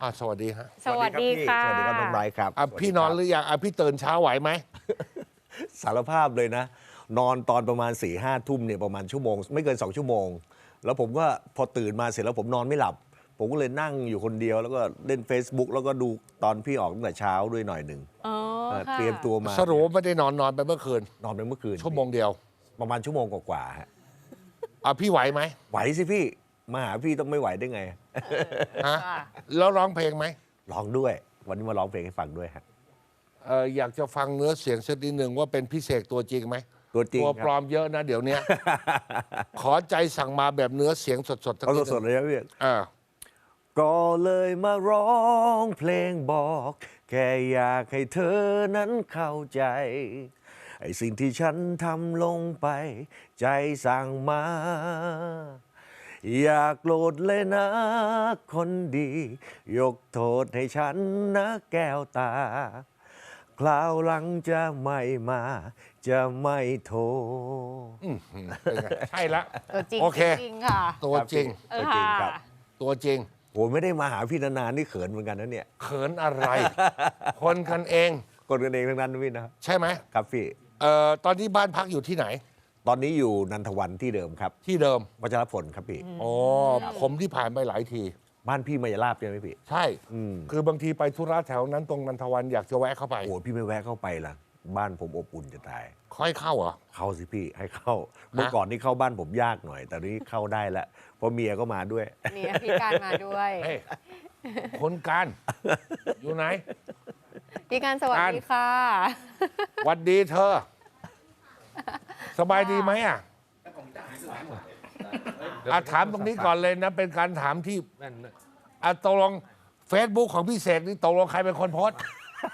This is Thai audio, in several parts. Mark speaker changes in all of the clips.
Speaker 1: สวัสดีฮะ
Speaker 2: สวัสดีค่ะ
Speaker 3: สวัสดีครับน้องไบรท์ครับ
Speaker 1: พี่นอนหรือยังพี่ตื่นเช้าไหวไหม
Speaker 3: สารภาพเลยนะ นอนตอนประมาณ4-5 ทุ่มเนี่ยประมาณชั่วโมงไม่เกิน2 ชั่วโมงแล้วผมก็พอตื่นมาเสร็จแล้วผมนอนไม่หลับ ผมก็เลยนั่งอยู่คนเดียวแล้วก็เล่น Facebook แล้วก็ดูตอนพี่ออกตั้งแต่เช้าด้วยหน่อยหนึ่งเตรียมตัวมา
Speaker 1: สรุปไม่ได้นอนไปเมื่อคืน
Speaker 3: นอนไปเมื่อคืน
Speaker 1: ชั่วโมงเดียว
Speaker 3: ประมาณชั่วโมงกว่าๆฮะ
Speaker 1: พี่ไหวไหม
Speaker 3: ไหวสิพี่มาหาพี่ต้องไม่ไหวได้ไง
Speaker 1: ฮะแล้วร้องเพลงไหม
Speaker 3: ร้องด้วย วันนี้มาร้องเพลงให้ฟังด้วยฮะ
Speaker 1: อยากจะฟังเนื้อเสียงสักนิดหนึ่งว่าเป็นพิเศษตัวจริงไหม
Speaker 3: ตัวจริง
Speaker 1: ตัว
Speaker 3: ครับ
Speaker 1: ปลอมเยอะนะเดี๋ยวนี้ ขอใจสั่งมาแบบเนื้อเสียงสดๆสัก
Speaker 3: เอา
Speaker 1: นิด
Speaker 3: สดๆเลยนะพี่ ก็เลยมาร้องเพลงบอกแค่อยากให้เธอนั้นเข้าใจไอ้สิ่งที่ฉันทำลงไป ใจสั่งมา อยากโกรธเลยนะคนดี ยกโทษให้ฉันนะแก้วตา คราวหลังจะไม่มา จะไม่โทร
Speaker 1: เป็นไงใช่ละ
Speaker 2: ตัวจริง
Speaker 1: โอเค
Speaker 2: จริงค่ะ
Speaker 1: ตัวจริง
Speaker 3: ตัวจริงครับ
Speaker 1: ตัวจริง
Speaker 3: โหไม่ได้มาหาพี่นานๆนี่เขินเหมือนกันนะเนี่ย
Speaker 1: เขินอะไร คนกันเอง
Speaker 3: คนกันเองทั้งนั้นนะพี่นะ
Speaker 1: ใช่ไหม
Speaker 3: ครับพี่
Speaker 1: ตอนนี้บ้านพักอยู่ที่ไหน
Speaker 3: ตอนนี้อยู่นันทวันที่เดิมครับ
Speaker 1: ที่เดิม
Speaker 3: วัชรพลครับพี่
Speaker 1: อ๋อผมที่ผ่านไปหลายที
Speaker 3: บ้านพี่มายาลาบใช่ไหมพี่
Speaker 1: ใช่ คือบางทีไปธุระแถวนั้นตรงนันทวันอยากจะแวะเข้าไป
Speaker 3: โอ้พี่ไม่แวะเข้าไปล่ะ บ้านผมอบอุ่นจะตาย
Speaker 1: ค่อยเข้าเหรอ
Speaker 3: เข้าสิพี่ให้เข้า เมื่อก่อนนี่เข้าบ้านผมยากหน่อย แต่นี้เข้าได้แล้วเพราะเมียก็มาด้วย
Speaker 2: เนี่ยพี่การมาด้วย
Speaker 1: เฮ้ย คนการ อยู่ไหน
Speaker 2: พี่การสวัสดีค่ะ
Speaker 1: หวัดดีเธอ สบายดีไหมถามตรงนี้ก่อนเลยนะ เป็นการถามที่ตกลงเฟซบุ๊กของพี่เสกนี่ตกลงใครเป็นคนโพสต์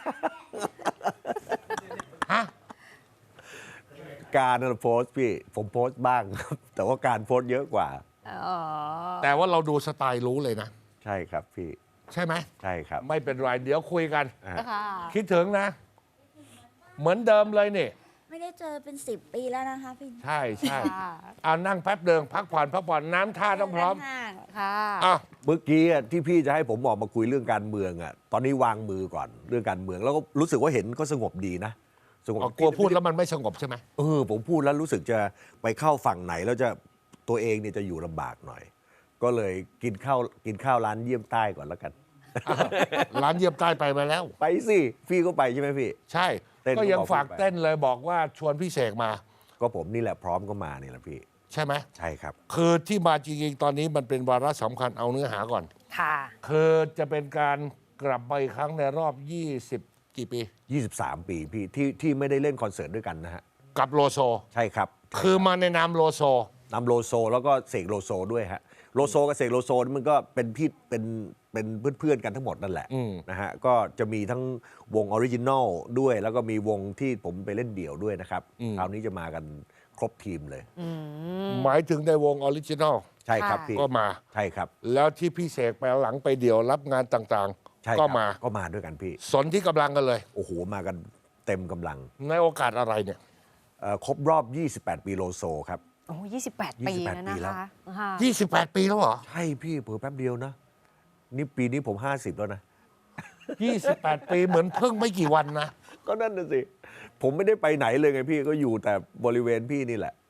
Speaker 1: ฮะ
Speaker 3: การโพสต์พี่ผมโพสต์บ้างครับ แต่ว่าการโพสต์เยอะกว่า
Speaker 2: อ๋อ
Speaker 1: แต่ว่าเราดูสไตล์รู้เลยนะ
Speaker 3: ใช่ครับพี่
Speaker 1: ใช่ไหม
Speaker 3: ใช่ครับ
Speaker 1: ไม่เป็นไร เดี๋ยวคุยกัน
Speaker 2: ค่ะ
Speaker 1: คิดถึงนะ เหมือนเดิมเลยนี่
Speaker 4: ไม่ได้เจอเป็น10 ปีแล้วนะคะพี่
Speaker 1: ใช่ใช่
Speaker 2: ค่ะ
Speaker 1: เอานั่งแป๊บเดิงพักผ่อนน้ำท่าต้องพร้อม
Speaker 4: ห่าง
Speaker 2: ค่ะ
Speaker 1: อ้าว
Speaker 3: เมื่อกี้ที่พี่จะให้ผมออกมาคุยเรื่องการเมืองอ่ะตอนนี้วางมือก่อนเรื่องการเมืองแล้วก็รู้สึกว่าเห็นก็สงบดีนะสงบ
Speaker 1: กลัวพูดแล้วมันไม่สงบใช่ไหม
Speaker 3: ผมพูดแล้วรู้สึกจะไปเข้าฝั่งไหนแล้วจะตัวเองเนี่ยจะอยู่ลำบากหน่อย ก็เลยกินข้าวร้านเยี่ยมใต้ก่อนแล้วกัน
Speaker 1: ร้านเยี่ยมใต้ไปมาแล้ว
Speaker 3: ไปสิพี่ก็ไปใช่ไหมพี่
Speaker 1: ใช่
Speaker 3: เต้น
Speaker 1: ก็ยัง
Speaker 3: ก็บอก
Speaker 1: ฝาก
Speaker 3: ไป
Speaker 1: เต้นเลยบอกว่าชวนพี่เสกมา
Speaker 3: ก็ผมนี่แหละพร้อมก็มานี่แหละพี่
Speaker 1: ใช่ไหม
Speaker 3: ใช่ครับ
Speaker 1: คือที่มาจริงๆ ตอนนี้มันเป็นวาระสำคัญเอาเนื้อหาก่อน
Speaker 2: ค่ะ
Speaker 1: คือจะเป็นการกลับมาอีกครั้งในรอบ 20 กี่ปี
Speaker 3: 23 ปีพี่ที่ไม่ได้เล่นคอนเสิร์ตด้วยกันนะฮะ
Speaker 1: กับโลโซ
Speaker 3: ใช่ครับ
Speaker 1: คือมาในนามโลโซ
Speaker 3: นำโลโซแล้วก็เสกโลโซด้วยฮะโลโซกับเสกโลโซนี่มันก็เป็นพี่เป็นเพื่อนๆกันทั้งหมดนั่นแหละนะฮะก็จะมีทั้งวงออริจินอลด้วย แล้วก็มีวงที่ผมไปเล่นเดี่ยวด้วยนะครับคราวนี้จะมากันครบทีมเลย
Speaker 1: หมายถึงในวงออริจินอล
Speaker 3: ใช่ครับ
Speaker 2: ค่ะ
Speaker 3: พี่
Speaker 1: ก็มา
Speaker 3: ใช่ครับ
Speaker 1: แล้วที่พี่เสกไปหลังไปเดี่ยวรับงานต่าง
Speaker 3: ใช่
Speaker 1: ๆ
Speaker 3: ค
Speaker 1: ก็
Speaker 3: รับ
Speaker 1: มา
Speaker 3: ก็มาด้วยกันพี่
Speaker 1: สนที่กำลังกันเลย
Speaker 3: โอ้โหมากันเต็มกำลัง
Speaker 1: ในโอกาสอะไรเนี่ย
Speaker 3: ครบรอบ 28 ปีโลโซครับ
Speaker 2: โอ้28 ปีแล้ว
Speaker 3: ปี
Speaker 2: นะ
Speaker 3: แล้ว
Speaker 2: คะค่ะ
Speaker 1: 28 ปีแล้วเหรอ
Speaker 3: ใช่พี่เผลอแป๊บเดียวนะนี่ปีนี้ผม 50 แล้วนะ
Speaker 1: 28 ปีเหมือนเพิ่งไม่กี่วันนะ
Speaker 3: ก็นั่นน่ะสิ ผมไม่ได้ไปไหนเลยไงพี่ก็อยู่แต่บริเวณพี่นี่แหละ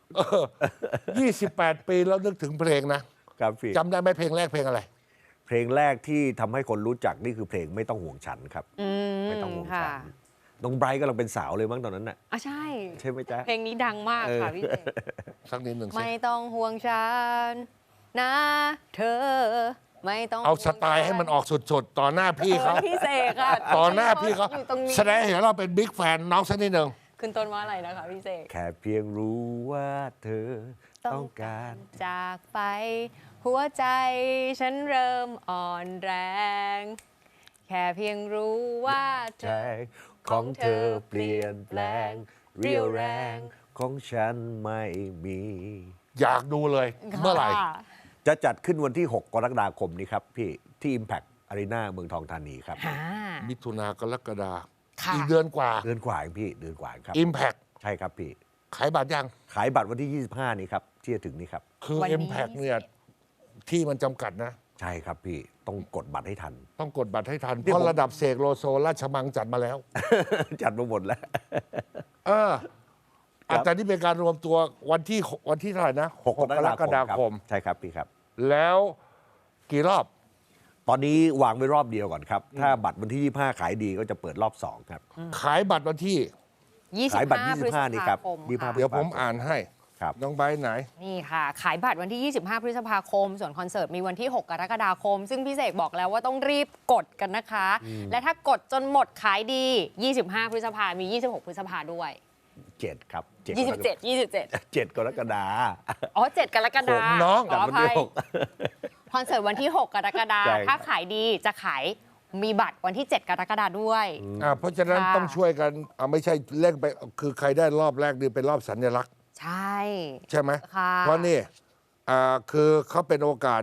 Speaker 1: 28 ปีแล้วนึกถึงเพลงนะครับ
Speaker 3: พี่
Speaker 1: จำได้ไหมเพลงแรกเพลงอะไร
Speaker 3: เพลงแรกที่ทำให้คนรู้จักนี่คือเพลงไม่ต้องห่วงฉันครับ ไม่ต้องห่วง
Speaker 2: ค่ะ
Speaker 3: ฉันน้องไบรท์กำลังเป็นสาวเลยมั้งตอนนั้นน่ะ
Speaker 2: ใช่
Speaker 3: ใช่ไหมจ๊ะ
Speaker 2: เพลงนี้ดังมากค่ะพี่เสก
Speaker 1: สักนิดหนึ่งสิ
Speaker 2: ไม่ต้องห่วงฉันนะเธอ ไม่ต้อง
Speaker 1: เอาสไตล์ให้มันออกสุดๆ ต่อหน้าพี่เขา
Speaker 2: พี่เสกค่ะ
Speaker 1: ต่อหน้าพี่เขา
Speaker 2: อยู่ตรงนี้
Speaker 1: แสดงให้เห็นเราเป็นบิ๊กแฟนน้องสักนิดหนึ่ง
Speaker 2: ขึ้นต้นว่าอะไรนะคะพี่เสก
Speaker 3: แค่เพียงรู้ว่าเธอต้องการ
Speaker 2: จากไป หัวใจฉันเริ่มอ่อนแรง แค่เพียงรู้ว่าเธ
Speaker 3: ใจ
Speaker 2: อ
Speaker 3: ของเธอเปลี่ยนแปลง เรียวแรงของฉันไม่มี
Speaker 1: อยากดูเลย เมื่อไหร่
Speaker 2: ค่ะ
Speaker 3: จะจัดขึ้นวันที่ 6 กรกฎาคมนี้ครับพี่ที่ Impact Arena เมืองทองธานีครับ
Speaker 2: ค่ะ
Speaker 1: มิถุนากรกฎา
Speaker 2: ค่ะ
Speaker 1: อีกเดือนกว่า
Speaker 3: เดือนกว่าเองพี่เดือนกว่าเองครับ
Speaker 1: Impact
Speaker 3: ใช่ครับพี่
Speaker 1: ขายบัตรยัง
Speaker 3: ขายบัตรวันที่ 25 นี้ครับที่จะถึงนี้ครับ
Speaker 1: คือ
Speaker 2: วันนี้
Speaker 1: Impact เนี่ยที่มันจำกัดนะ
Speaker 3: ใช่ครับพี่ต้องกดบัตรให้ทัน
Speaker 1: ต้องกดบัตรให้ทัน
Speaker 3: นี่
Speaker 1: เพราะ
Speaker 3: ผม
Speaker 1: ระดับเสกโลโซราชมังจัดมาแล้ว
Speaker 3: จัดมาหมดแล้ว
Speaker 1: เออ
Speaker 3: ครับ
Speaker 1: แต่นี่เป็นการรวมตัววันที่เท่าไหร่นะ
Speaker 3: 6
Speaker 1: กรกฎาคม
Speaker 3: ใช่ครับพี่ครับ
Speaker 1: แล้วกี่รอบ
Speaker 3: ตอนนี้วางไว้รอบเดียวก่อนครับ ถ้าบัตรวันที่ 25 ขายดีก็จะเปิดรอบ 2 ครับ
Speaker 1: ขายบัตรวันที่
Speaker 3: ขายบัตร
Speaker 2: 25 พฤษ
Speaker 3: 25 นี่ครับ
Speaker 2: ภาคม
Speaker 3: 25
Speaker 2: ค่ะ
Speaker 1: เดี๋ยวผมอ่านให้
Speaker 3: ครับ
Speaker 1: น้องไบร์ทไหน
Speaker 2: นี่ค่ะ ขายบัตรวันที่ 25 พฤษภาคม ส่วนคอนเสิร์ตมีวันที่ 6 กรกฎาคม ซึ่งพี่เสกบอกแล้วว่าต้องรีบกดกันนะคะ และถ้ากดจนหมดขายดี 25 พฤษภามี 26 พฤษภาด้วย
Speaker 3: 7 ครับ
Speaker 2: 27
Speaker 3: 7กรกฎาคม
Speaker 2: อ๋อ 7 กรกฎาค
Speaker 1: ผม
Speaker 2: ม
Speaker 1: น้อง
Speaker 2: ขออ
Speaker 3: วัน
Speaker 2: ภั
Speaker 3: ที่
Speaker 2: ย
Speaker 3: 6
Speaker 2: คอนเสิร์ตวันที่ 6 กรกฎาค
Speaker 3: ใช่
Speaker 2: ม
Speaker 3: ครับ
Speaker 2: ถ้าขายดีจะขายมีบัตรวันที่ 7 กรกฎาคมด้วย
Speaker 1: เพราะฉะนั้น
Speaker 2: ค่ะ
Speaker 1: ต้องช่วยกันไม่ใช่เล่นไปคือใครได้รอบแรกนี่เป็นรอบสัญลักษณ์
Speaker 2: ใช่
Speaker 1: ใช่ไหม
Speaker 2: ค่ะ
Speaker 1: เพราะนี่คือเขาเป็นโอกาส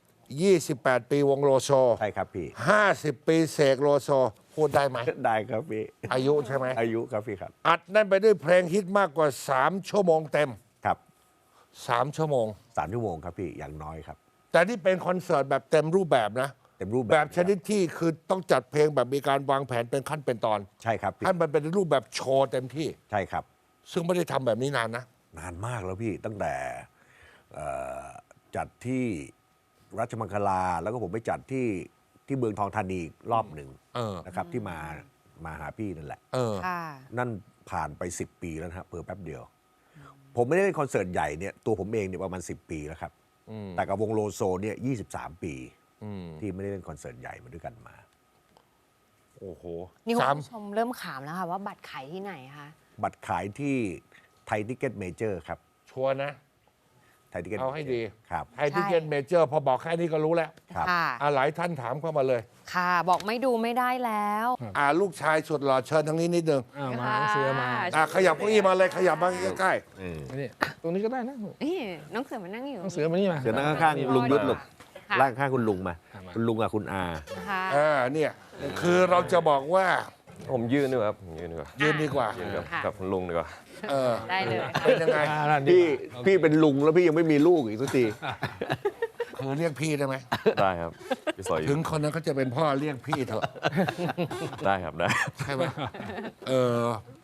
Speaker 1: 28 ปีวงโลโซ
Speaker 3: ใช่ครับพี่
Speaker 1: 50 ปีเสกโลโซ พูดได้ไหม
Speaker 3: ได้ครับพี่
Speaker 1: อายุใช่ไหม
Speaker 3: อายุครับพี่ครับ
Speaker 1: อัดนั่นไปด้วยเพลงฮิตมากกว่า 3 ชั่วโมงเต็ม
Speaker 3: ครับ
Speaker 1: 3 ชั่วโมง
Speaker 3: 3 ชั่วโมงครับพี่อย่างน้อยครับ
Speaker 1: แต่นี่เป็นคอนเสิร์ตแบบเต็มรูปแบบนะ
Speaker 3: เต็มรูปแบบ
Speaker 1: แบบชนิดที่คือต้องจัดเพลงแบบมีการวางแผนเป็นขั้นเป็นตอน
Speaker 3: ใช่ครับพี่
Speaker 1: ให้มันเป็นรูปแบบโชว์เต็มที่
Speaker 3: ใช่ครับ
Speaker 1: ซึ่งไม่ได้ทำแบบนี้นานนะ
Speaker 3: นานมากแล้วพี่ตั้งแต่จัดที่รัชมังคลา แล้วก็ผมไปจัดที่เมืองทองธานีอีกรอบหนึ่ง
Speaker 1: เออ
Speaker 3: นะครับที่มาหาพี่นั่นแหละ
Speaker 1: เออ
Speaker 2: ค่ะ
Speaker 3: นั่นผ่านไป 10 ปีแล้วนะฮะเพิ่แป๊บเดียว ผมไม่ได้เล่นคอนเสิร์ตใหญ่เนี่ยตัวผมเองเนี่ยประมาณ 10 ปีแล้วครับ แต่กับวงโลโซเนี่ย23 ปีที่ไม่ได้เล่นคอนเสิร์ตใหญ่มาด้วยกันมา
Speaker 1: โอ้โห
Speaker 2: นี่คุ
Speaker 1: สาม
Speaker 2: ณผู้ชมเริ่มขามแล้วค่ะว่าบัตรขายที่ไหนคะ
Speaker 3: บัตรขายที่ไทยทิเก็ตเมเจอร์ครับ
Speaker 1: ชัวร์นะ
Speaker 3: ไทยทิเก็ต
Speaker 1: เอาให้ดี
Speaker 3: ครับ
Speaker 1: ไทยทิเก็ตเมเจอร์พอบอกแค่นี้ก็รู้แล้ว
Speaker 3: ครับ
Speaker 2: ค่ะ
Speaker 1: หลายท่านถามเข้ามาเลย
Speaker 2: ค่ะบอกไม่ดูไม่ได้แล้ว
Speaker 1: ลูกชายสุดหล่อเชิญทางนี้นิดนึง
Speaker 5: มาหนังสือมา
Speaker 1: ขยับเก้าอี้มาเลยขยับมาใกล้
Speaker 5: นี่ตรงนี้ก็ได้นะ
Speaker 2: นี่น้องเสือมานั่งอยู่
Speaker 5: หนังสือมานี่มา
Speaker 3: เดี๋ยวนั่งข้างๆลุงยุทธลูก
Speaker 2: ค่ะ
Speaker 3: ร่างข้างคุณลุงมา คุณลุงกับคุณอา
Speaker 2: นะคะ
Speaker 1: เนี่ยคือเราจะบอกว่า
Speaker 6: ผมยืนดีกว่าครับผมยืนดีกว่า
Speaker 1: ยืนดีกว่า
Speaker 6: ยืนกับ
Speaker 2: ค่ะ
Speaker 6: กับคุณลุงดีกว่า
Speaker 1: เออ
Speaker 2: ได้เลยค่ะ
Speaker 1: เป็นยังไง
Speaker 3: พี่เป็นลุงแล้วพี่ยังไม่มีลูกอีกสักที
Speaker 1: คือเรียกพี่ได้ไหม
Speaker 6: ได้ครับพี่สอยอ
Speaker 1: ถึ
Speaker 6: ยู่
Speaker 1: งคนนั้นเขาจะเป็นพ่อเรียกพี่เถอะ
Speaker 6: ได้ครับได้
Speaker 1: ใช่ไหมเออ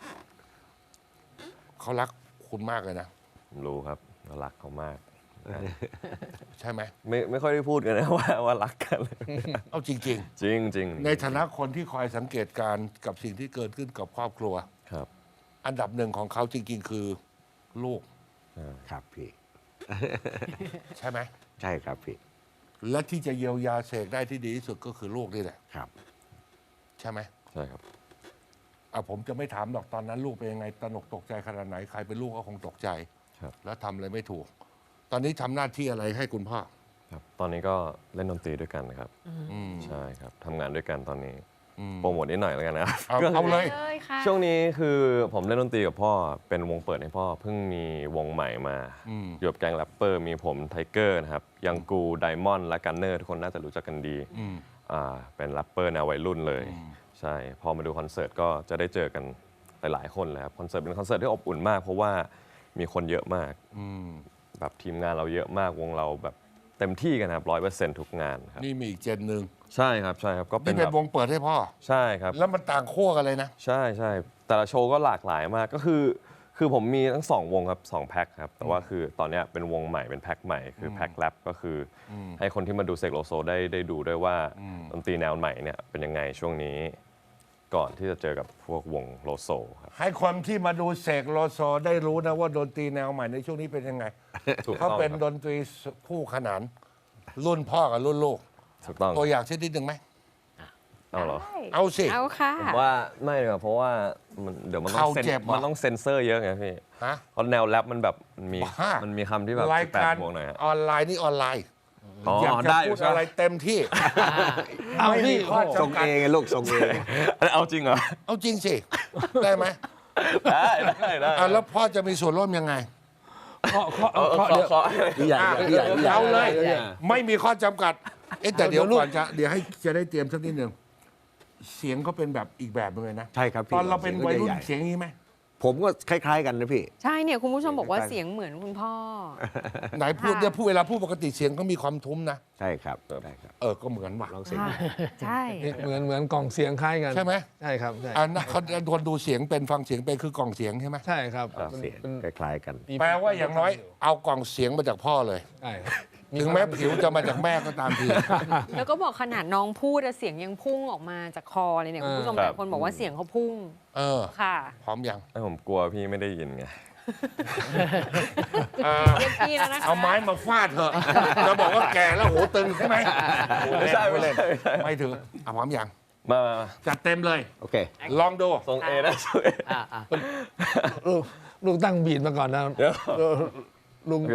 Speaker 1: เขารักคุณมากเลยนะ
Speaker 6: ผมรู้ครับว่ารักเขามาก
Speaker 1: ใช่ไหม
Speaker 6: ไม่ค่อยได้พูดกันนะ ว่ารักกัน
Speaker 1: เอาจริง
Speaker 6: จริงจริง
Speaker 1: ๆ ในฐานะคนที่คอยสังเกตการณ์กับสิ่งที่เกิดขึ้นกับครอบครัว
Speaker 6: ครับ
Speaker 1: อันดับหนึ่งของเขาจริง ๆ คือลูก
Speaker 3: ครับพี่
Speaker 1: ใช่ไหม
Speaker 3: ใช่ครับพี่
Speaker 1: และที่จะเยียวยาเสกได้ที่ดีที่สุดก็คือลูกนี่แหละ
Speaker 3: ครับ
Speaker 1: ใช่ไหม
Speaker 6: ใช่ครับ
Speaker 1: ผมจะไม่ถามหรอกตอนนั้นลูกเป็นยังไงตระหนกตกใจขนาดไหนใครเป็นลูกก็คงตกใจ
Speaker 6: ครับ
Speaker 1: แล้วทำอะไรไม่ถูก ตอนนี้ทำหน้าที่อะไรให้คุณพ่อ
Speaker 6: ครับ ตอนนี้ก็เล่นดนตรีด้วยกันนะครับ
Speaker 1: อืม
Speaker 6: ใช่ครับทำงานด้วยกันตอนนี้
Speaker 1: อืม
Speaker 6: โปรโมทนิดหน่อยแล้วกันนะครับ
Speaker 1: เอาเลย
Speaker 2: เลยค่ะ
Speaker 6: ช่วงนี้คือผมเล่นดนตรีกับพ่อเป็นวงเปิดให้พ่อเพิ่งมีวงใหม่มา
Speaker 1: อืม
Speaker 6: อยู่กับแก๊งแรปเปอร์มีผมไทเกอร์นะครับยังกูไดมอนด์และกันเนอร์ทุกคนน่าจะรู้จักกันดี
Speaker 1: อืม
Speaker 6: เป็นแรปเปอร์แนววัยรุ่นเลย ใช่พอมาดูคอนเสิร์ตก็จะได้เจอกันหลายๆคนเลยครับคอนเสิร์ตเป็นคอนเสิร์ตที่อบอุ่นมาก เพราะว่ามีคนเยอะมาก
Speaker 1: อืม
Speaker 6: แบบทีมงานเราเยอะมากวงเราแบบเต็มที่กันครับ100%ทุกงานครับ
Speaker 1: นี่มีอีกเจนหนึ่ง
Speaker 6: ใช่ครับใช่ครับก็เป็
Speaker 1: นี่
Speaker 6: น
Speaker 1: เป็
Speaker 6: แบ
Speaker 1: น
Speaker 6: บ
Speaker 1: วงเปิดให้พ่อ
Speaker 6: ใช่ครับ
Speaker 1: แล้วมันต่างขั้วกันเลยนะ
Speaker 6: ใช่ใช่แต่ละโชว์ก็หลากหลายมากก็คือผมมีทั้ง2วงครับ2แพ็คครับแต่ว่าคือตอนเนี้ยเป็นวงใหม่เป็นแพ็คใหม่คือแพ็คแรปก็คืออให้คนที่มาดูเสกโลโซได้ดูด้วยว่าดนตรีแนวใหม่เนี่ยเป็นยังไงช่วงนี้ ก่อนที่จะเจอกับพวกวงโลโซครับ
Speaker 1: ให้คนที่มาดูเสกโลโซได้รู้นะว่าดนตรีแนวใหม่ในช่วงนี้เป็นยังไง
Speaker 6: ถูก
Speaker 1: เขา
Speaker 6: ต้อง
Speaker 1: เป็น
Speaker 6: ครับ
Speaker 1: ดนตรีคู่ขนาน รุ่นพ่อกับรุ่นลูก
Speaker 6: ถูกต้อง
Speaker 1: ตัวอย่างเช่นนิดหนึ่งไหม
Speaker 6: เอาเหรอ
Speaker 1: เอาสิ
Speaker 2: เอาค่ะ
Speaker 6: ผมว่าไม่เลยเพราะว่าเดี๋ยวมันต้
Speaker 1: เข่า
Speaker 6: องเซ็น
Speaker 1: เจ็บเหรอ
Speaker 6: มันต้องเซ็นเซอร์เยอะไงพี่
Speaker 1: ฮะ
Speaker 6: เพราะแนวแรปมันแบบมี
Speaker 1: บ้ามั
Speaker 6: มันมีคำที่แบบ
Speaker 1: รายการ
Speaker 6: 18บวกหน่อยฮะ
Speaker 1: ออนไลน์นี่ออนไลน์
Speaker 6: อ๋อ
Speaker 1: อยากจะ
Speaker 6: ได้
Speaker 1: พูด
Speaker 6: ใช่ไหม
Speaker 1: อะไรเต็มที่
Speaker 5: เอา
Speaker 1: ไม่มี
Speaker 5: พี่
Speaker 1: ข้อ
Speaker 3: ส่ง
Speaker 1: จำกัด
Speaker 3: เองไงลูกส่งเอง
Speaker 6: เอาจริงเหรอ
Speaker 1: เอาจริงสิ ได้ไหม
Speaker 6: ได้
Speaker 1: แล้วพ่อจะมีส่วนร่วมยังไง
Speaker 5: เคาะเดี๋ยว
Speaker 3: พี่ใหญ่พี่ใหญ่พี่ใหญ่
Speaker 1: เอาเลย
Speaker 5: พี่ใหญ่
Speaker 1: ไม่มีข้อจำกัดแต่เดี๋ยว
Speaker 5: เดี๋ยวลูก
Speaker 1: ก่อนเดี๋ยวให้จะได้เตรียมสักนิดหนึ่งเสียงเขาเป็นแบบอีกแบบหนึงเลยนะ
Speaker 3: ใช่ครับพี่
Speaker 1: ตอนเราเป็นวัยรุ่น
Speaker 3: สีงก็จะใหญ่
Speaker 1: เสียงอย่างนี้ไหม
Speaker 3: ผมก็คล้ายๆกันนะพี่
Speaker 2: ใช่เนี่ยคุณผู้ชมบอกว่าเสียงเหมือนคุณพ่อ
Speaker 1: ไหนพูดเนี่ยพูดเวลาพูดปกติเสียงเขามีความทุ้มนะ
Speaker 3: ใช่ครับใช่ครับ
Speaker 1: ก็เหมือนว่ะ
Speaker 3: ลองเสียง
Speaker 2: ค่ะใช่
Speaker 5: เหมือนกล่องเสียงคล้ายกัน
Speaker 1: ใช่ไหม
Speaker 5: ใช่ครับใช่
Speaker 1: เขาคนดูเสียงเป็นฟังเสียงเป็นคือกล่องเสียงใช่ไหม
Speaker 5: ใช่ครับ
Speaker 3: เสียง
Speaker 5: เป็น
Speaker 3: คล้ายๆกัน
Speaker 1: แปลว่าอย่างน้อยเอากล่องเสียงมาจากพ่อเลย
Speaker 5: ใช่ครับ
Speaker 1: ถึงแม้ผิวจะมาจากแม่ก็ตามที
Speaker 2: แล้วก็บอกขนาดน้องพูดอะเสียงยังพุ่งออกมาจากคอเลยเนี่ยคุณผู้ชมหลายคนบอกว่าเสียงเขาพุ่ง ค่ะ
Speaker 1: พร้อมยัง
Speaker 6: ให้ผมกลัวพี่ไม่ได้ยินไง
Speaker 2: เรียกพี่แล้วนะคะ
Speaker 1: เอาไม้มาฟาดเถอะจะบอกว่าแก่แล้วหูตึงใช่ไหม
Speaker 6: ไม่ใช่ไม่ใช่
Speaker 1: ไม่ถึงพร้อมยัง
Speaker 6: มา
Speaker 1: จัดเต็มเลย
Speaker 3: โอเค
Speaker 1: ลองดู
Speaker 6: ทรงเอนะทรงเอ
Speaker 5: ลูกตั้งบีดมาก่อนนะ
Speaker 6: เดี๋ยว
Speaker 5: ลุง
Speaker 6: โอเค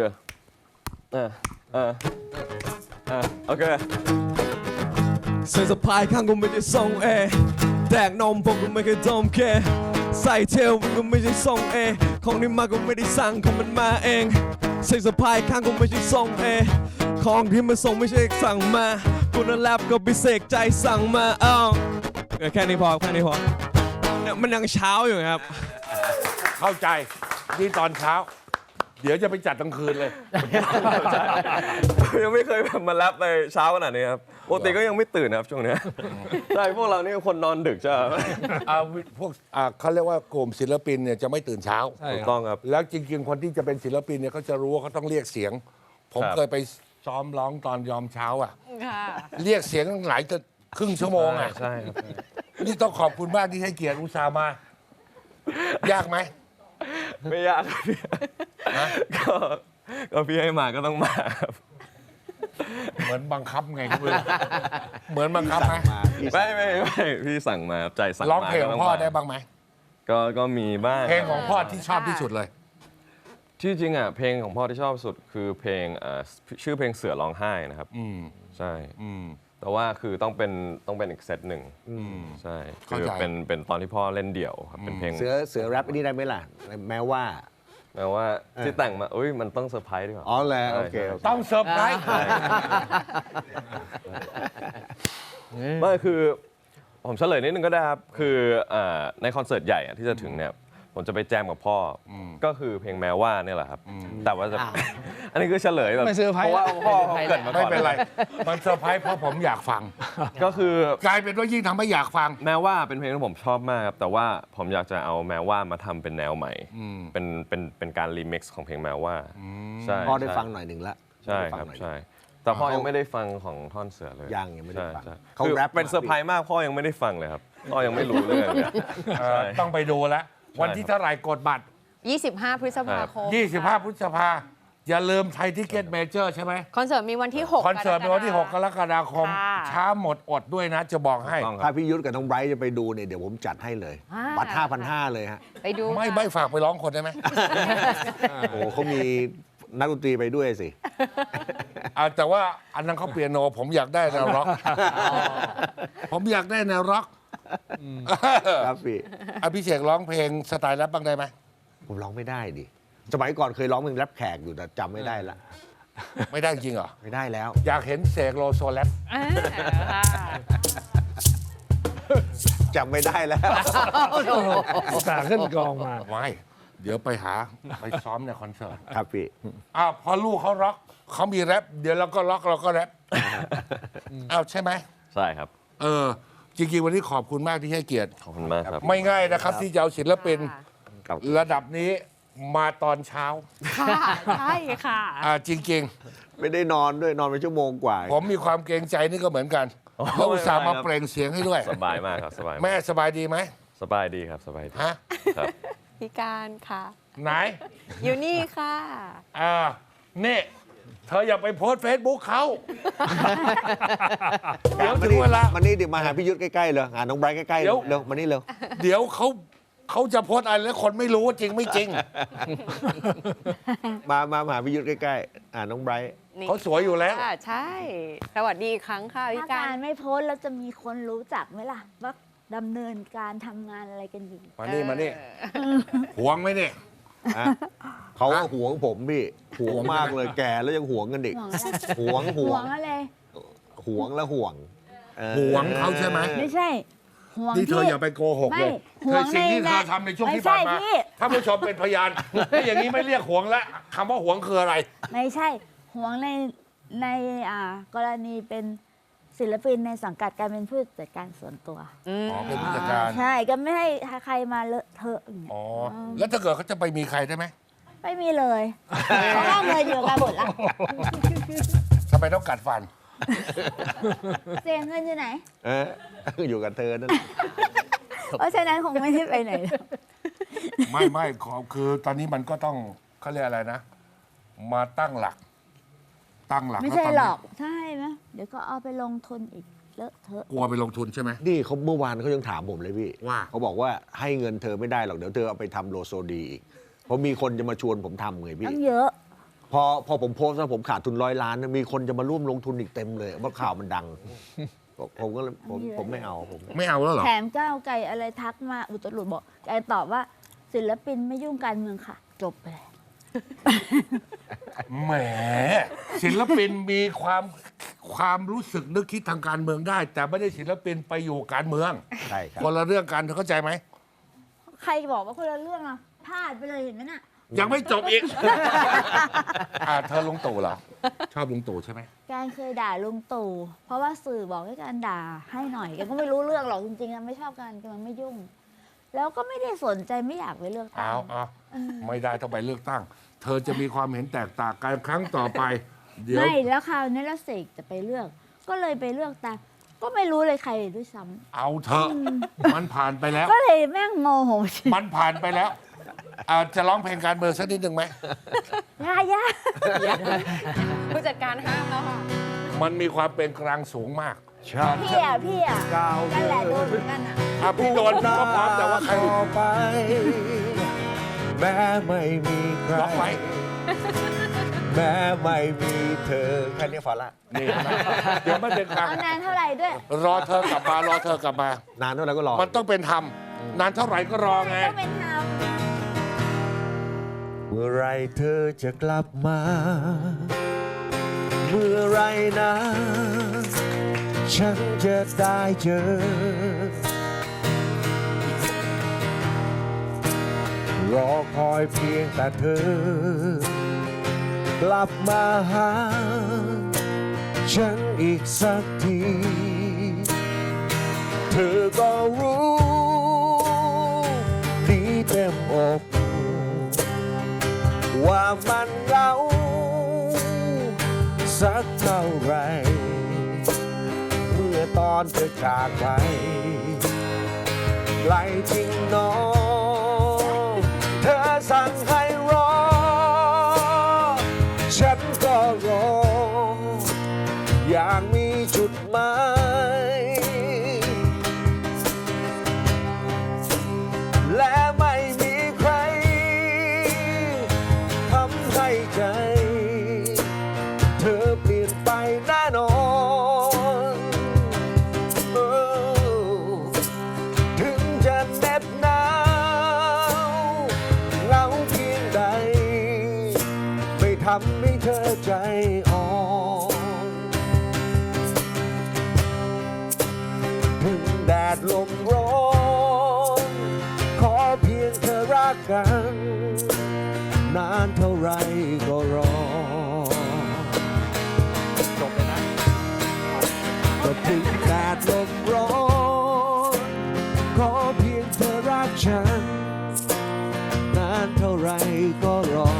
Speaker 6: โอเค
Speaker 7: ใส่สะพายข้างก็ไม่ได้ทรงเอแดกนมผมก็ไม่เคยดมเคใส่เทลมันก็ไม่ใช่ทรงเอของนี่มาก็ไม่ได้สั่งของมันมาเองใส่สะพายข้างก็ไม่ใช่ทรงเอของที่มาส่งไม่ใช่สั่งมากูนั่นแลบก็ไปเสกใจสั่งมาแค่นี้พอเนี่ยมันยังเช้าอยู่ครับ
Speaker 1: เข้าใจนี่ตอนเช้า เดี๋ยวจะไปจัดกลางคืนเลย
Speaker 6: ยังไม่เคยแบบมาแรปในเช้าขนาดนี้ครับปกติก็ยังไม่ตื่นนะครับช่วงเนี้ยใช่พวกเรานี่คนนอนดึกใช่ไหม
Speaker 1: พวกเขาเรียกว่ากลุ่มศิลปินเนี่ยจะไม่ตื่นเช้า
Speaker 5: ใช่
Speaker 6: ถูก
Speaker 5: ครับ
Speaker 6: ต้องครับ
Speaker 1: แล้วจริงๆ คนที่จะเป็นศิลปินเนี่ยเขาจะรู้ว่าเขาต้องเรียกเสียง ผม
Speaker 6: ครับ
Speaker 1: เคยไปซ้อมร้องตอนยอมเช้าอ่ะ
Speaker 2: ค่ะ
Speaker 1: เรียกเสียงหลายครึ่งชั่วโมงอ่ะ
Speaker 6: ใช่ครับ
Speaker 1: นี่ต้องขอบคุณมากที่ให้เกียรติอุตส่าห์มา ยากไหม
Speaker 6: ไม่ยากครับพี่ก็พี่ให้มาก็ต้องมาครับ
Speaker 1: เหมือนบังคับไงคุณเหมือนบังคับไหม
Speaker 6: ไม่พี่สั่งมาใจสั่งมา
Speaker 1: ร้องเพลงของพ่อได้บ้างไหม
Speaker 6: ก็มีบ้าง
Speaker 1: เพลงของพ่อที่ชอบที่สุดเลย
Speaker 6: ที่จริงอ่ะเพลงของพ่อที่ชอบสุดคือเพลงชื่อเพลงเสือร้องไห้นะครับ ใช่ แต่ว่าคือต้องเป็นอีกเซตหนึ่งใช่
Speaker 1: เข้า
Speaker 6: คือ
Speaker 1: ใจ
Speaker 6: เป็นตอนที่พ่อเล่นเดี่ยวครับเป็นเพลง
Speaker 3: เสือแรปอันนี้ได้ไหมล่ะ แม้ว่า
Speaker 6: แม้ว่าที่แต่งมาอุ้ยมันต้องเซอร์ไพรส์ดีกว่า
Speaker 3: อ๋อแล้วโอเค
Speaker 6: ใช่
Speaker 3: โอเค
Speaker 1: ต้องเซอร์ไพรส์
Speaker 6: ไม่คือผมเฉลยนิดนึงก็ได้ครับคือในคอนเสิร์ตใหญ่อะที่จะถึงเนี่ยผมจะไปแจมกับพ่ออก็คือเพลงแม้ว่าเนี่ยแหละครับแต่ว่าจะ อันนี้คือเฉลยแบบ
Speaker 5: ไม่เซอร์ไพรส์
Speaker 6: เพราะว่าพ่อเขาเกริดมาก่
Speaker 1: ไม่
Speaker 6: อน
Speaker 1: เป็นไร มันเซอร์ไพรส์เพราะผมอยากฟัง
Speaker 6: ก็คือก
Speaker 1: ลายเป็นว่ายิ่งทำให้อยากฟัง
Speaker 6: แม้ว่าเป็นเพลงที่ผมชอบมากครับแต่ว่าผมอยากจะเอาแม้ว่ามาทำเป็นแนวใหม่เป็นการรีมิกซ์ของเพลงแม้ว่าใช่
Speaker 3: พ่อได้
Speaker 6: ใช่
Speaker 3: ฟังหน่อยหนึ่งละ
Speaker 6: ใช่
Speaker 3: ได้ฟั
Speaker 6: ครับ
Speaker 3: หน่อย
Speaker 6: ใช่แต่พ่อยังไม่ได้ฟังของท่อนเสือเลย
Speaker 3: ยังไม่ได้ฟัง
Speaker 6: ใช่
Speaker 3: เขา
Speaker 6: คือ
Speaker 3: แรป
Speaker 6: เป็นเซอร์ไพรส์มากพ่อยังไม่ได้ฟังเลยครับพ่อยังไม่รู้เรื่องเลยใช่
Speaker 1: ต้องไปดูแล้ว วันที่เท่าไหร่กดบัตร
Speaker 2: 25 พฤษภาคม
Speaker 1: 25 พฤษภาอย่าลืมไทยทิเก็ตเมเจอร์ใช่ไหม
Speaker 2: คอนเสิร์ตมีวันที่ 6
Speaker 1: คอนเสิร์ตในวันที่ 6 กรกฎาคม
Speaker 2: ค่ะ
Speaker 1: ช้าหมดอดด้วยนะ จะบอกให้
Speaker 6: ต้องค
Speaker 3: ถ้า
Speaker 6: รับ
Speaker 3: พี่ยุทธกับน้องไบรท์จะไปดูเนี่ยเดี๋ยวผมจัดให้เลย บัตร 5,500 เลยฮะ
Speaker 2: ไปดู
Speaker 1: ไม่ฝากไปร้องคนได้ไหม
Speaker 3: โอ้เขามีนักดนตรีไปด้วยสิ
Speaker 1: แต่ว่าอันนั้นเขาเปียโน ผมอยากได้แนวร็อก ผมอยากได้แนวร็อก
Speaker 3: ครับพี่
Speaker 1: พี่เสกร้องเพลงสไตล์แรปบ้างได้ไหม
Speaker 3: ผมร้องไม่ได้ดิ สมัยก่อนเคยร้องเพลงแรปแขกอยู่แต่จำไม่ได้ละ
Speaker 1: ไม่ได้จริงเหรอ
Speaker 3: ไม่ได้แล้ว
Speaker 1: อยากเห็นเสกโลโซแรป
Speaker 2: ค่ะ
Speaker 3: จำไม่ได้แล้ว
Speaker 5: อุตส่าห์ขึ้นกองมา
Speaker 1: ไม่เดี๋ยวไปซ้อมในคอนเสิร์ต
Speaker 3: ครับพี่
Speaker 1: พอลูกเขาร็อกเขามีแรปเดี๋ยวเราก็ร็อกเราก็แรปใช่ไหม
Speaker 6: ใช่ครับ
Speaker 1: จริงๆวันนี้ขอบคุณมากที่ให้เกียรติ
Speaker 6: ขอบคุณมากครับ
Speaker 1: ไม่ง่ายนะครับ ที่จะเอาศิลปิน
Speaker 3: ครับ
Speaker 1: ระดับนี้มาตอนเช้า
Speaker 2: ค่ะใช่ค่ะ
Speaker 1: จริง
Speaker 3: ไม่ได้นอนด้วยนอนไปชั่วโมงกว่า
Speaker 1: ๆ ผมมีความเกรงใจนี่ก็เหมือนกันแล้วอุตส่าห์มาเปล่งเสียงให้ด้วย
Speaker 6: สบายมากครับสบายมาก
Speaker 1: แม่สบายดีไหม
Speaker 6: สบายดีครับสบายดี
Speaker 1: ฮะ
Speaker 6: ครับ
Speaker 2: พี่การค่ะ
Speaker 1: ไหน
Speaker 2: อยู่นี่ค่ะ
Speaker 1: นี่เธออย่าไปโพสเฟซบุ๊กเขาเดี๋ยวถึงเวลา
Speaker 3: มันนี่เดี๋ยวมาหาพี่ยุทธใกล้ๆเลยหาน้องไบรท์ใกล้ๆ
Speaker 1: เดี๋ยว
Speaker 3: เร็วมานี่เร็ว
Speaker 1: เดี๋ยวเขาจะโพสอะไรแล้วคนไม่รู้ว่าจริงไม่จริง
Speaker 3: มาหาพี่ยุทธใกล้ๆน้องไบรท์
Speaker 1: เขาสวยอยู่แล้ว
Speaker 2: ค่ะใช่ สวัสดีอีกครั้งค่ะพี่
Speaker 4: ถ้า
Speaker 2: การ
Speaker 4: การไม่โพสต์แล้วจะมีคนรู้จักไหมล่ะ ว่าดำเนินการทำงานอะไรกันอยู่
Speaker 1: มานี่หวงไหมเนี่ย
Speaker 3: อ่ะเขาก็หวงผมพี่หวงมากเลยแก่แล้วยังหวงกันอีก
Speaker 4: ห่วงอะไร
Speaker 3: หวง
Speaker 4: ห่วงอะไร
Speaker 3: หวงแล้วห่วง
Speaker 1: หวงเขาใช่ไหม
Speaker 4: ไม่ใช่ห่วง
Speaker 1: นี่เธอ
Speaker 4: ที่
Speaker 1: อย่าไปโกหก
Speaker 4: ไม่
Speaker 1: เลย
Speaker 4: ห่
Speaker 1: เธ
Speaker 4: ว
Speaker 1: อง สิ่งที่
Speaker 4: ใน
Speaker 1: เธอทำในช่วงที่
Speaker 4: ไม่
Speaker 1: ผ่าน
Speaker 4: ใช่
Speaker 1: มา
Speaker 4: พี่
Speaker 1: ท่านผู้ชมเป็นพยานที่อย่างนี้ไม่เรียกหวงแล้วคำว่าหวงคืออะไร
Speaker 4: ไม่ใช่ห่วงในกรณีเป็นศิลปินในสังกัดการเป็นผู้จัดการส่วนตัว
Speaker 1: อ๋อเป็นผู้จัดการ
Speaker 4: ใช่ก็ไม่ให้ใครมาเลอะเทอะอย่างเงี้ย
Speaker 1: อ๋อแล้วถ้าเกิดเขาจะไปมีใครได้ไหม
Speaker 4: ไม่มีเลยเพราะว่าเงินอยู่กันหมดละ
Speaker 1: ทำไมต้องกัดฟัน
Speaker 4: เสียเงินอยู่ไหน
Speaker 3: อยู่กับเธอนั่น
Speaker 4: เพราะฉะนั้นคงไม่ได้ไปไหน
Speaker 1: ไม่ขอคือตอนนี้มันก็ต้องเขาเรียกอะไรนะ มาตั้งหลัก
Speaker 4: ไม่ใช่
Speaker 1: แล้วตนนี้
Speaker 4: หรอกใช่ไหมเดี๋ยวก็เอาไปลงทุนอีกเลอะเทอะ
Speaker 1: กลัวไปลงทุนใช่ไหม
Speaker 3: นี่เขาเมื่อวานเขายังถามผมเลยพี่
Speaker 1: ว่า
Speaker 3: เขาบอกว่าให้เงินเธอไม่ได้หรอกเดี๋ยวเธอเอาไปทำโลโซดีอีกเพราะมีคนจะมาชวนผมทำไงพี่
Speaker 4: ต้องเยอะ
Speaker 3: พอผมโพสต์แล้วผมขาดทุน100 ล้านนะมีคนจะมาร่วมลงทุนอีกเต็มเลยเพราะข่าวมันดัง ผมก็เลยผมไม่เอาผม
Speaker 1: ไม่เอาแล้วเหรอ
Speaker 4: แถมก้าวไกลอะไรทักมาอุตรุดบอกไกตอบว่าศิลปินไม่ยุ่งการเมืองค่ะ จบไปเลย
Speaker 1: แหมศิลปินมีความรู้สึกนึกคิดทางการเมืองได้ แต่ไม่ได้ศิลปินไปอยู่การเมือง
Speaker 3: ใช่ครับ
Speaker 1: คนละเรื่องกันเธอเข้าใจไหม
Speaker 4: ใครบอกว่าคนละเรื่องอ่ะพลาดไปเลยเห็นไหมน่ะ
Speaker 1: ยังไม่จบอีก เธอลุงตู่เหรอ ชอบลุงตู่ใช่ไหม
Speaker 4: การเคยด่าลุงตู่เพราะว่าสื่อบอกให้การด่าให้หน่อยแกก็ไม่รู้เรื่องหรอกจริงๆนะไม่ชอบกันแกมันไม่ยุ่ง แล้วก็ไม่ได้สนใจไม่อยากไปเลือกตั้ง
Speaker 1: เอาไม่ได้ต้องไปเลือกตั้ง เธอจะมีความเห็นแตกต่างกันครั้งต่อไป เดี๋ยว
Speaker 4: ไม่แล้วคราวนี้แล้วเสกจะไปเลือก ก็เลยไปเลือกตามก็ไม่รู้เลยใครด้วยซ้ำ
Speaker 1: เอาเถอะมันผ่านไปแล้ว
Speaker 4: ก็เลยแม่งโมโห
Speaker 1: มันผ่านไปแล้วจะร้องเพลงการเมืองสักนิดหนึ่งไหม
Speaker 4: ย่า
Speaker 2: ผู้จัดการห้ามแล้วค่ะ
Speaker 1: มันมีความเป็นกลางสูงมาก
Speaker 4: พี่อ่ะ
Speaker 3: ก้าว
Speaker 4: นั่นแหละโดนเหมือนกันอ่ะ
Speaker 1: พี่โดนก็พร้อมแต่ว่าใคร
Speaker 3: ต่อไป แม้ไม่มีใคร
Speaker 1: ล็อกไว้
Speaker 3: แม้ไม่มีเธอแค่นี้พอละ
Speaker 1: นี่นะเดี๋ยวมันเป็นกลาง
Speaker 4: เอานานเท่าไหร่ด้วย
Speaker 1: รอเธอกลับมารอเธอกลับมา
Speaker 3: นานเท่าไหร่ก็รอ
Speaker 1: มันต้องเป็นธรรมนานเท่าไหร่ก็รอไง
Speaker 4: ต้องเป็นธรรม
Speaker 3: เมื่อไรเธอจะกลับมา เมื่อไรนะ ฉันจะได้เจอ รอคอยเพียงแต่เธอ กลับมาหา ฉันอีกสักที เธอก็รู้ดีเต็มอก ว่ามันเหงาสักเท่าไร เมื่อตอนเธอจากไปไกลจริงหนอเธอสั่งให้รอ ฉันก็รอ อย่างมีจุดหมายและไม่มีใครทำให้ใจ เธอเปลี่ยนไปแน่นอนถึงจะเหน็บหนาวเหงาเพียงใด ไม่ทำให้เธอใจอ่อนถึงแดดลมร้อนขอเพียงเธอรักกัน นานเท่าไรก็รอจบเลยนะก็ถึงแดดลมร้อนขอเพียงเธอรักฉัน นานเท่าไรก็รอ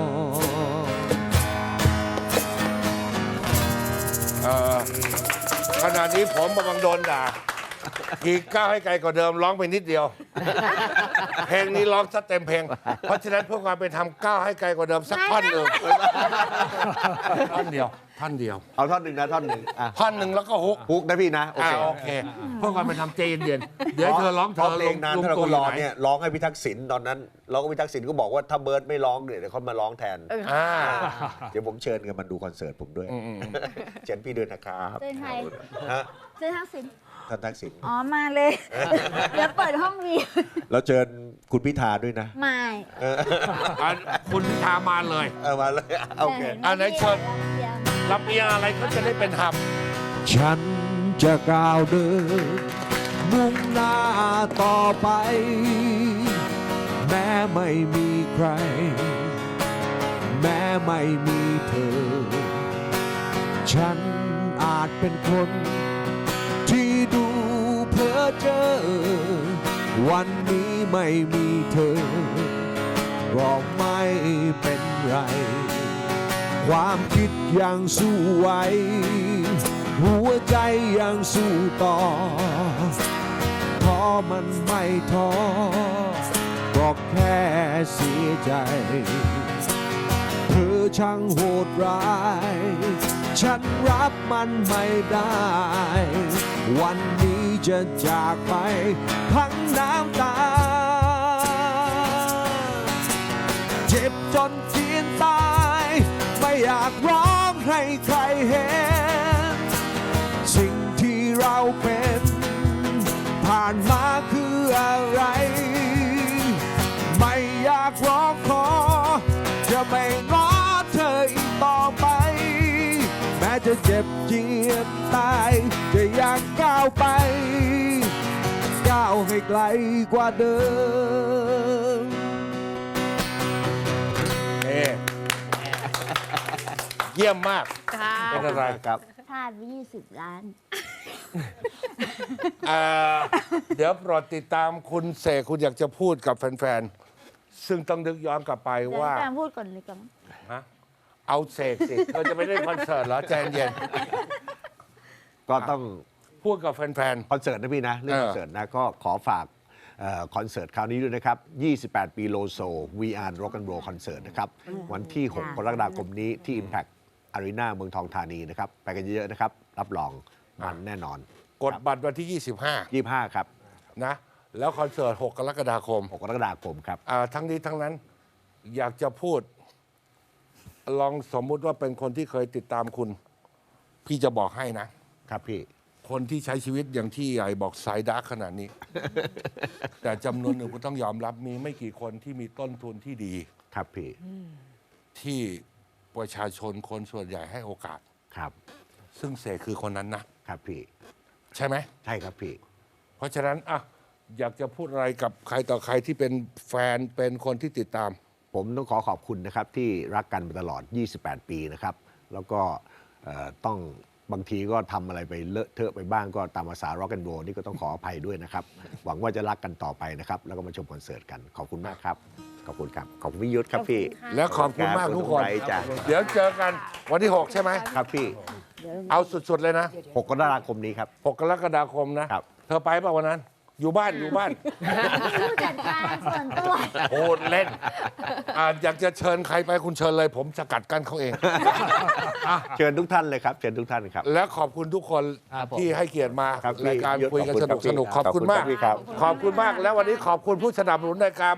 Speaker 1: ขณะนี้ผมกำลังโดนด่าอีกก้าวให้ไกลกว่าเดิมร้องไปนิดเดียว เพลงนี้ร้องซะเต็มเพลง เพราะฉะนั้นเพื่อความเป็นธรรมก้าวให้ไกลกว่าเดิมสักท่อนหนึ่งท่อนเดียว
Speaker 3: เอาท่อนหนึ่งนะท่อนหนึ่งอ่ะ
Speaker 1: ท่อนหนึ่งแล้วก็ฮุก
Speaker 3: ฮุกนะพี่นะ โอเค
Speaker 1: โอเค เพื่อความเป็นธรรมใจเย็นๆเดี๋ยวให้เธอร้องเธอ
Speaker 3: เพลงนาน
Speaker 1: ลุง
Speaker 3: เท่าไร
Speaker 1: ตู่
Speaker 3: ก็
Speaker 1: อ
Speaker 3: ร
Speaker 1: ยู่
Speaker 3: อ
Speaker 1: ไหน
Speaker 3: เนี่ยร้องให้พี่ทักษิณตอนนั้นร้องให้พี่ทักษิณก็บอกว่าถ้าเบิร์ดไม่ร้องเดี๋ยวเขามาร้องแทน
Speaker 1: อ่า
Speaker 3: เดี๋ยวผมเชิญกันมาดูคอนเสิร์ตผมด้วย เชิญพี่ด้วยนะครับ
Speaker 4: เชิญใคร
Speaker 3: ฮะ
Speaker 4: เชิญทักษิณ
Speaker 3: ท่านทักษิณ
Speaker 4: อ๋อมาเลย เดี๋ยวเปิดห้องวี
Speaker 3: แล้วเชิญคุณพิธาด้วยนะ
Speaker 4: ไม่
Speaker 1: คุณพิธามาเลย
Speaker 3: มาเลยโอเค
Speaker 1: อันไหนเชิญ ลำเอียงอะไรก็จะได้เป็นธรรม
Speaker 3: ฉันจะก้าวเดินมุ่งหน้าต่อไปแม้ไม่มีใคร แม้ไม่มีเธอ ฉันอาจเป็นคนที่ดูเพ้อเจ้อวันนี้ไม่มีเธอก็ไม่เป็นไร ความคิดยังสู้ไหวหัวใจยังสู้ต่อเพราะมันไม่ท้อก็แค่เสียใจเธอช่างโหดร้ายฉันรับมันไม่ได้ วันนี้จะจากไปทั้งน้ำตาเจ็บจนเจียนตายไม่อยากร้องให้ใครเห็นสิ่งที่เราเป็นผ่านมาคืออะไรไม่อยากร้องขอจะไม่ง้อเธออีกต่อไปแม้จะเจ็บเจียนตายจะอยากก้าวไปก้าวให้ไกลกว่าเดิม
Speaker 1: เยี่ยมมาก
Speaker 2: ค่ะ
Speaker 1: เป็นอะไร
Speaker 3: ครับ
Speaker 4: พลาดไป20 ล้าน
Speaker 1: เดี๋ยวโปรดติดตามคุณเสกคุณอยากจะพูดกับแฟนๆ ซึ่งต้องนึกย้อนกลับไป
Speaker 4: เดี๋ยว
Speaker 1: ว่า
Speaker 4: ให้แฟนพูดก่อนเลยกัน
Speaker 1: ฮะเอาเสกสิเราจะไม่ได้คอนเสิร์ตเหรอใจเย็น
Speaker 3: ก็ต้อง
Speaker 1: พูดกับแฟน
Speaker 3: คอนเสิร์ตนะพี่นะเรื่องคอนเสิร์ตนะก็ขอฝากคอนเสิร์ตคราวนี้ด้วยนะครับ 28 ปีโลโซ VR Rock and Roll Concert นะครับ วันที่ 6 กรกฎาคมนี้ที่ Impact Arena เมืองทองธานีนะครับ ไปกันเยอะๆนะครับ รับรองมันแน่นอน
Speaker 1: ๆ กดบัตรวันที่
Speaker 3: 25 ครับ
Speaker 1: 25 นะ แล้วคอนเสิร์ต 6 กรกฎาคม
Speaker 3: 6 กรกฎาคมครับ
Speaker 1: ทั้งนี้ทั้งนั้นอยากจะพูด ลองสมมุติว่าเป็นคนที่เคยติดตามคุณ พี่จะบอกให้นะ
Speaker 3: ครับพี่
Speaker 1: คนที่ใช้ชีวิตอย่างที่ใหญ่บอกสายดาร์กขนาดนี้ แต่จำนวนหนึ่งก็ต้องยอมรับมีไม่กี่คนที่มีต้นทุนที่ดี
Speaker 3: ครับพี่
Speaker 1: ที่ประชาชนคนส่วนใหญ่ให้โอกาส
Speaker 3: ครับ
Speaker 1: ซึ่งเสกคือคนนั้นนะ
Speaker 3: ครับพี่
Speaker 1: ใช่ไหม
Speaker 3: ใช่ครับพี่
Speaker 1: เพราะฉะนั้นอยากจะพูดอะไรกับใครต่อใครที่เป็นแฟนเป็นคนที่ติดตาม
Speaker 3: ผมต้องขอบคุณนะครับที่รักกันมาตลอด 28 ปีนะครับ แล้วก็ต้องบางทีก็ทำอะไรไปเลอะเทอะไปบ้างก็ตามภาษา Rock and Roll นี่ก็ต้องขออภัยด้วยนะครับ หวังว่าจะรักกันต่อไปนะครับ แล้วก็มาชมคอนเสิร์ตกัน ขอบคุณมากครับ ขอบคุณครับ ขอบคุณพี่ยุทธครับพี่
Speaker 1: และขอบคุณมากทุกคน
Speaker 3: ขอบณจ้ะ
Speaker 1: เดี๋ยวเจอกันวันที่ 6 ใช่ไหม
Speaker 3: ครับพี่
Speaker 1: เอาสุด ๆ เลยนะ
Speaker 3: 6 กรกฎาคมนี้ครับ
Speaker 1: 6 กรกฎาคมนะ
Speaker 3: ครับ
Speaker 1: เธอไปเปล่าวันนั้น อยู่บ้าน
Speaker 4: ผู้จัดการส่วนตัว
Speaker 1: โหดเล่นอยากจะเชิญใครไปคุณเชิญเลย ผมสกัดกั้นเขาเอง
Speaker 3: เชิญทุกท่านเลยครับ เชิญทุกท่านครับ
Speaker 1: และขอบคุณทุกคน
Speaker 5: ครับผม
Speaker 1: ที่ให้เกียรติมา
Speaker 3: ครับ
Speaker 1: รายการ
Speaker 3: พี่
Speaker 1: คุยกัน
Speaker 3: ขอบคุณ
Speaker 1: สนุก
Speaker 3: ครับ
Speaker 1: ขอบคุณมาก
Speaker 3: ขอบคุณครับ
Speaker 1: ขอบคุณมาก แล้ววันนี้ขอบคุณผู้สนับสนุนรายการ